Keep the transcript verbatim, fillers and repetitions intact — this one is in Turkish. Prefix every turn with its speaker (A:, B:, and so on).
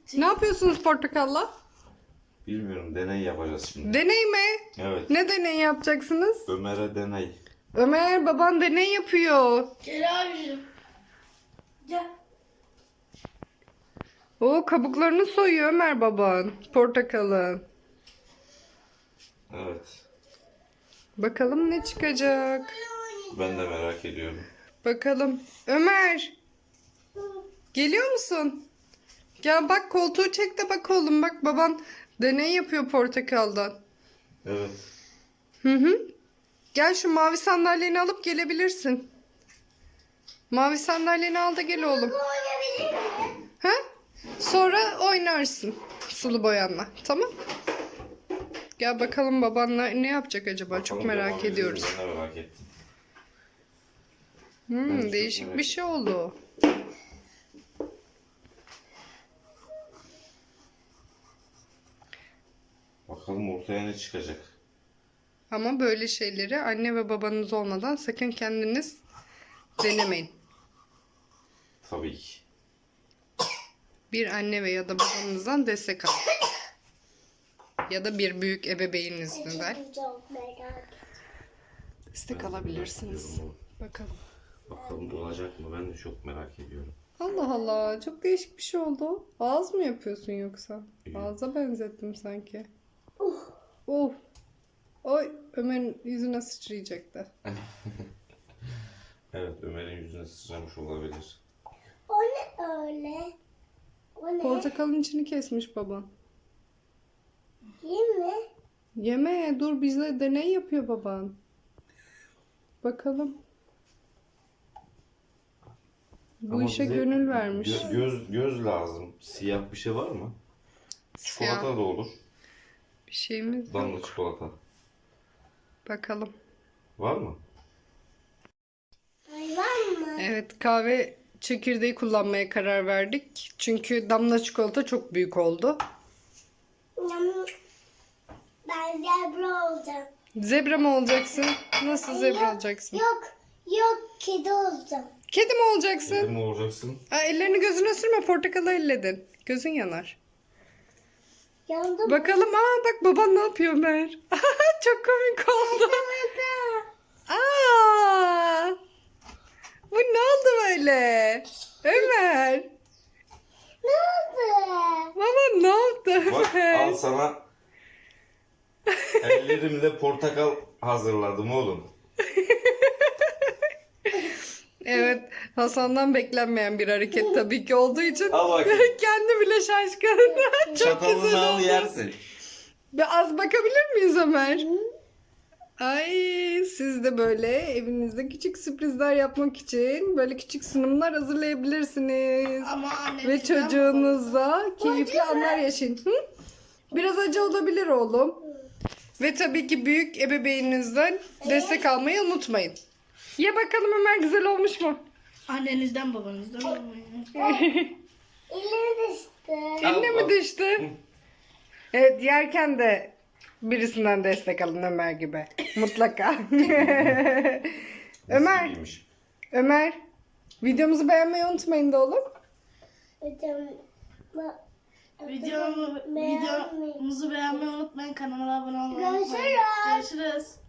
A: Ne yapıyorsunuz portakalla?
B: Bilmiyorum, deney yapacağız şimdi.
A: Deney mi?
B: Evet.
A: Ne deney yapacaksınız?
B: Ömer'e deney.
A: Ömer, baban deney yapıyor.
C: Gel abicim. Gel.
A: O kabuklarını soyuyor Ömer baban. Portakalın.
B: Evet.
A: Bakalım ne çıkacak.
B: Ben de merak ediyorum.
A: Bakalım. Ömer. Geliyor musun? Gel bak, koltuğu çek de bak oğlum. Bak, baban deney yapıyor portakaldan.
B: Evet.
A: Hı hı. Gel, şu mavi sandalyeni alıp gelebilirsin. Mavi sandalyeni al da gel oğlum. Ha? Sonra oynarsın sulu boyanla. Tamam. Gel bakalım babanla ne yapacak acaba? Çok
B: Bakalım
A: merak
B: devam
A: ediyoruz.
B: edeceğiz, Ben de merak ettim.
A: Hmm,
B: Ben de çok
A: değişik
B: merak
A: bir şey oldu.
B: Bakalım ortaya ne çıkacak.
A: Ama böyle şeyleri anne ve babanız olmadan sakın kendiniz denemeyin.
B: Tabii ki.
A: Bir anne ve ya da babanızdan destek alın. Ya da bir büyük ebeveyninizden
C: Çok merak.
A: destek
B: Ben de
A: alabilirsiniz.
B: merak ediyorum.
A: Bakalım.
B: Bakalım olacak mı? Ben de çok merak ediyorum.
A: Allah Allah, çok değişik bir şey oldu. Ağız mı yapıyorsun yoksa?
B: Evet.
A: Ağza benzettim sanki. Oh. Oy, Ömer'in yüzüne sıçrayacaktı.
B: Evet, Ömer'in yüzüne sıçramış olabilir.
C: O ne öyle? O ne?
A: Portakalın içini kesmiş baban.
C: Değil mi?
A: Yeme, dur, bize deney yapıyor baban. Bakalım. Bu
B: Ama
A: işe
B: bize
A: gönül vermiş.
B: gö- göz göz lazım. Siyah bir şey var mı?
A: Siyah
B: Çikolata da olur.
A: bir şeyimiz yok.
B: Damla çikolata.
A: Bakalım.
B: Var mı?
C: Hayvan mı?
A: Evet, kahve çekirdeği kullanmaya karar verdik. Çünkü damla çikolata çok büyük oldu.
C: Yum. Ben zebra olacağım.
A: Zebra mı olacaksın? Nasıl zebra
C: Yok,
A: olacaksın?
C: Yok, yok kedi olacağım.
A: Kedi mi olacaksın?
B: Kedi mi olacaksın?
A: Aa, ellerini gözüne sürme, portakalı elledin. Gözün yanar.
C: Yandım.
A: Bakalım, aa bak baban ne yapıyor Ömer. Çok komik oldu. Aa! Bu ne oldu böyle? Ömer.
C: Ne oldu?
A: Baba ne yaptı
B: Bak,
A: Ömer?
B: al sana ellerimle portakal hazırladım oğlum.
A: Evet, Hasan'dan beklenmeyen bir hareket tabii ki olduğu için
B: Al bakayım.
A: kendi bile şaşkın. Çok
B: Çatalını
A: güzel
B: al
A: oldu.
B: yersin.
A: Bir az bakabilir miyiz Ömer? Ay, siz de böyle evinizde küçük sürprizler yapmak için böyle küçük sunumlar hazırlayabilirsiniz.
C: Ama annem
A: Ve çocuğunuzla keyifli anlar yaşayın. Hı? Biraz acı olabilir oğlum. Ve tabii ki büyük ebeveyninizden destek almayı unutmayın. Ye bakalım Ömer, güzel olmuş mu?
C: Annenizden babanızdan olmayın. Elime düştü.
A: Eline
B: Al,
A: mi
B: al.
A: düştü? Evet, yerken de birisinden destek alın Ömer gibi. Mutlaka. Ömer,
B: Nasibiymiş.
A: Ömer. Videomuzu beğenmeyi unutmayın da oğlum.
C: Hocam,
D: Videomu,
C: Beğenmeyi-
D: videomuzu beğenmeyi unutmayın. Kanala abone olmayı unutmayın.
C: Görüşürüz.
D: Görüşürüz.